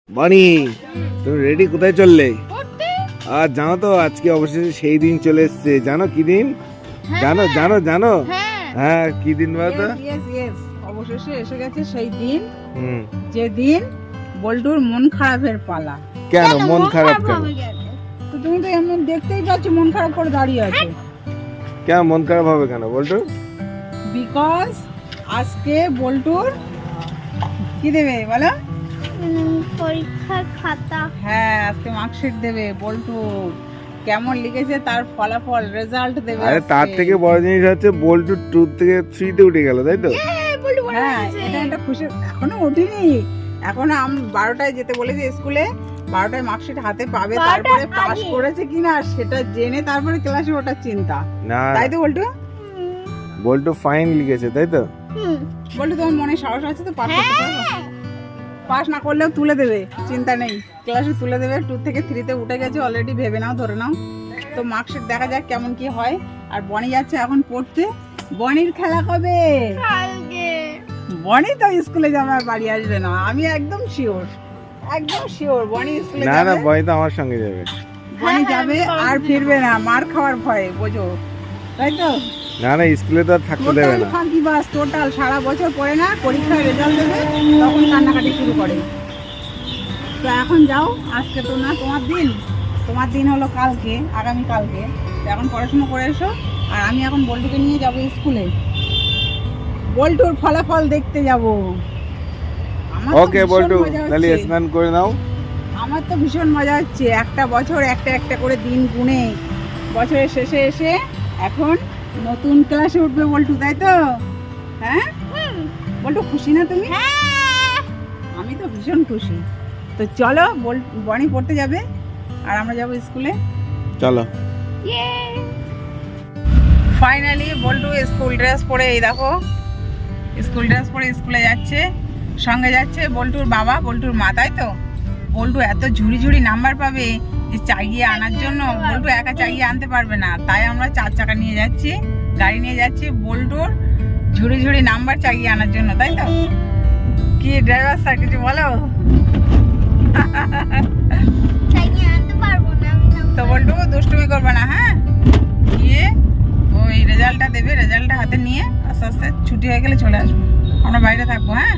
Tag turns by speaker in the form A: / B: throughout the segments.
A: বানি, তুমি রেডি? কোথায় চললে? আর জানো তো আজকে অবশেষে সেই দিন চলে এসেছে। জানো কি দিন? জানো জানো জানো হ্যাঁ, কি দিন বলতো?
B: অবশেষে এসে গেছে সেই দিন, যে দিন বল্টুর মন খারাপের পালা।
A: কেন মন খারাপ কেন?
B: তো তুমি তো এমনি দেখতেই পাচ্ছ মন খারাপ করে দাঁড়িয়ে আছে।
A: কেন মন খারাপ হবে কেন বল্টু?
B: বিকজ আজকে বল্টুর কি দেবে বলো?
C: পরীক্ষার খাতা।
B: হ্যাঁ, আজকে মার্কশিট দেবে বল্টু। কেমন লিখেছে তার ফলাফল, রেজাল্ট দেবে।
A: আরে তার থেকে বড় জিনিস হচ্ছে বল্টু 2 থেকে 3 তে উঠে গেল, তাই তো?
B: হ্যাঁ, এটা একটা খুশি। এখনো উঠিনি, এখনো 12টায় যেতে বলেছে স্কুলে। 12টায় মার্কশিট হাতে পাবে, তারপরে পাস করেছে কিনা সেটা জেনে তারপরে ক্লাসে ওঠার চিন্তা।
A: না,
B: তাই তো বল্টু?
A: বল্টু ফাইন লিখেছে, তাই তো?
B: বল্টু তোমার মনে সাহস আছে তো পাস করতে পারবে? পাস না করলেও তুলে দেবে, চিন্তা নেই, ক্লাসে তুলে দেবে। 2 থেকে 3 তে উঠে গেছে অলরেডি, ভেবে নাও, ধরে নাও। তো মার্কশিট দেখা যাক কেমন কি হয়। আর বনি যাচ্ছে এখন পড়তে। বনির খেলা কবে? বনি তো স্কুলে যাবে, আর বাড়ি আসবে না, আমি একদম শিওর, একদম শিওর। বনি স্কুলে
A: না
B: যাবে,
A: না, বনি তো আমার সঙ্গে যাবে।
B: বনি যাবে আর ফিরবে না, মার খাওয়ার ভয়ে, বোঝো, তাই তো?
A: না না, স্কুলে তো আর থাকতে দেবে
B: টোটাল
A: না।
B: ফাঁকি বাস, টোটাল। সারা বছর পড়ে না, পরীক্ষায় রেজাল্ট দেবে তখন কান্নাকাটি শুরু করে। তো এখন যাও, আজকে তো না তোমার দিন, তোমার দিন হলো কালকে, আগামী কালকে। তো এখন পড়াশোনা করে এসো। আর আমি এখন বল্টুকে নিয়ে যাব স্কুলে, বল্টুর ফলাফল দেখতে যাব। আমার তো
A: ওকে
B: ভীষণ
A: বল্টু,
B: মজা
A: তাহলে
B: হচ্ছে।
A: স্নান করে নাও।
B: আমার তো ভীষণ মজা হচ্ছে, একটা বছর একটা একটা করে দিন গুনে বছরের শেষে এসে এখন নতুন ক্লাসে উঠবে বল্টু, তাই তো? হ্যাঁ বল্টু, খুশি না তুমি? আমি তো ভীষণ খুশি। তো চলো, বনি পড়তে যাবে আর আমরা যাবো স্কুলে।
A: চলো।
B: ফাইনালি বল্টু স্কুল ড্রেস পরে, এই দেখো স্কুল ড্রেস পরে স্কুলে যাচ্ছে। সঙ্গে যাচ্ছে বল্টুর বাবা, বল্টুর মা, তাই তো? বল্টু এত ঝুড়ি ঝুড়ি নাম্বার পাবে যে চাগিয়ে আনার জন্য বল্টু একা চাগিয়ে আনতে পারবে না। তাই আমরা 4 চাকা নিয়ে যাচ্ছি, গাড়ি নিয়ে যাচ্ছি বল্টুর ঝুড়ি ঝুড়ি নাম্বার চাগিয়ে আনার জন্য, তাই তো? কি ড্রাইভার স্যার, কিছু বলো? তো বল্টু দুষ্টুমি করবে না, হ্যাঁ? গিয়ে ওই রেজাল্টটা দেবে, রেজাল্টটা হাতে নিয়ে আস্তে আস্তে ছুটি হয়ে গেলে চলে আসবো, আমরা বাইরে থাকবো। হ্যাঁ,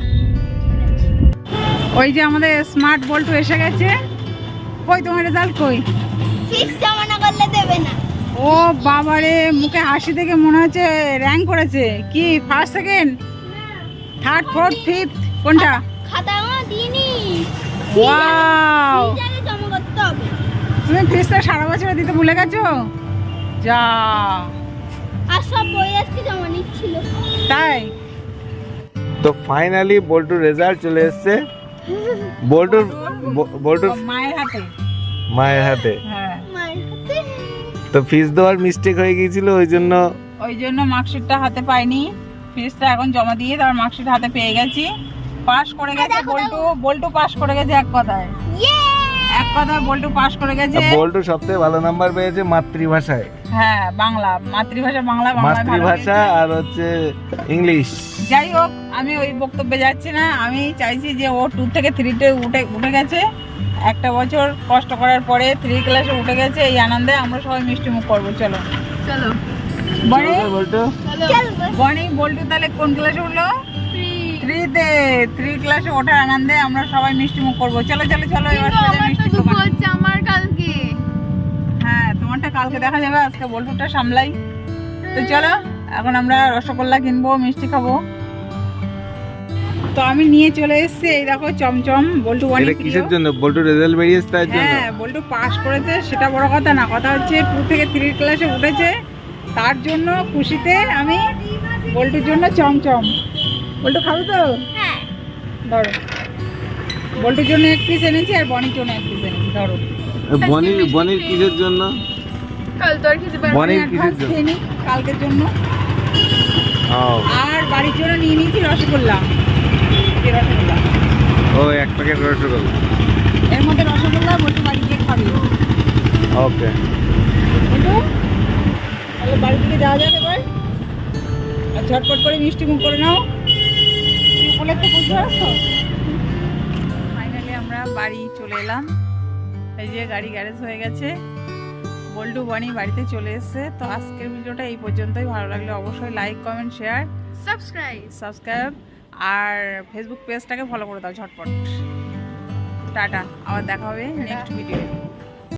B: ওই যে আমাদের স্মার্ট বল্টু এসে গেছে। কই তোমার রেজাল্ট কই? ও বাবারে, মুখে হাসি দেখে মনে হচ্ছে র্যাঙ্ক করেছে। কি first, second, third, fourth, fifth, কোনটা? ওয়াও, তুমি ফিসটা সারা বছরে দিতে ভুলে গেছো? যা, তাই?
A: তো ফাইনালি বল্টুর রেজাল্ট চলে এসেছে। বল্টুর
B: মায়ের হাতে।
A: মায়ের হাতে।
B: হ্যাঁ,
A: তো ফিস দেওয়ার মিস্টেক হয়ে গিয়েছিল, ওই জন্য
B: মার্কশিটটা হাতে পাইনি। ফিসটা এখন জমা দিয়ে তার মার্কশিট হাতে পেয়ে গেছি। পাস করে গেছে বল্টু, বল্টু পাস করে গেছে। এক কথায় বল্টু পাস করে গেছে।
A: বল্টু সবথেকে ভালো নাম্বার পেয়েছে মাতৃভাষায়।
B: হ্যাঁ, বাংলা, মাতৃভাষা বাংলা,
A: মাতৃভাষা আর হচ্ছে ইংলিশ।
B: যাই হোক, আমি ওই বক্তব্যে যাচ্ছি না। আমি চাইছি যে ও 2 থেকে 3 তে উঠে গেছে। একটা বছর কষ্ট করার পরে 3 ক্লাসে উঠে গেছে। এই আনন্দে আমরা সবাই মিষ্টি মুখ করবো। চলো চলো
A: বল্টু।
B: বনি, বল্টু তাহলে কোন ক্লাসে উঠলো? 3 তে। 3 ক্লাসে ওঠার আনন্দে আমরা সবাই মিষ্টি মুখ করবো। চলো চলো চলো, এবার
C: আমার কালকে।
B: হ্যাঁ, তোমারটা কালকে দেখা যাবে, আজকে বল্টুটা সামলাই। তো চলো, এখন আমরা রসগোল্লা কিনবো, মিষ্টি খাবো। তো আমি নিয়ে চলে এসেছি, এই দেখো চমচম। বল্টু
A: এটা কিসের জন্য? বল্টু রেজাল্ট বেরিয়েছে তার জন্য?
B: হ্যাঁ, বল্টু পাস করেছে, সেটা বড় কথা না। কথা হচ্ছে 2 থেকে 3 ক্লাসে উঠেছে, তার জন্য খুশিতে আমি বল্টুর জন্য চমচম। বল্টু খাবো তো?
C: হ্যাঁ,
B: ধরো, বল্টুর জন্য 1 পিস এনেছি আর বনির জন্য 1 পিস এনেছি। ধরো।
A: বনির কিসের জন্য?
C: কাল তো আর খেতে
A: বনির কিসের জন্য?
B: খেয়ে নিই কালকের জন্য।
A: ও,
B: আর বাড়ির জন্য নিয়ে নিয়েছি রসগোল্লা।
A: ও 1 প্যাকেট রসগোল্লা।
B: এর মধ্যে রসগোল্লা, বল্টু বাড়ি গিয়ে খাবি।
A: ওকে
B: বল্টু, তাহলে বাড়ি থেকে যাওয়া যাবে এবার। আর ঝটপট করে মিষ্টি মুখ করে নাও। তুই বলে তো বুঝতে পারছো? ফাইনালি আমরা বাড়ি চলে এলাম। এই যে গাড়ি গ্যারেজ হয়ে গেছে, বল্টু বনি বাড়িতে চলে এসেছে। তো আজকের ভিডিওটা এই পর্যন্তই। ভালো লাগলে অবশ্যই লাইক কমেন্ট শেয়ার সাবস্ক্রাইব আর ফেসবুক পেজটাকে ফলো করে দাও ঝটপট। টাটা, আবার দেখা হবে নেক্সট ভিডিও।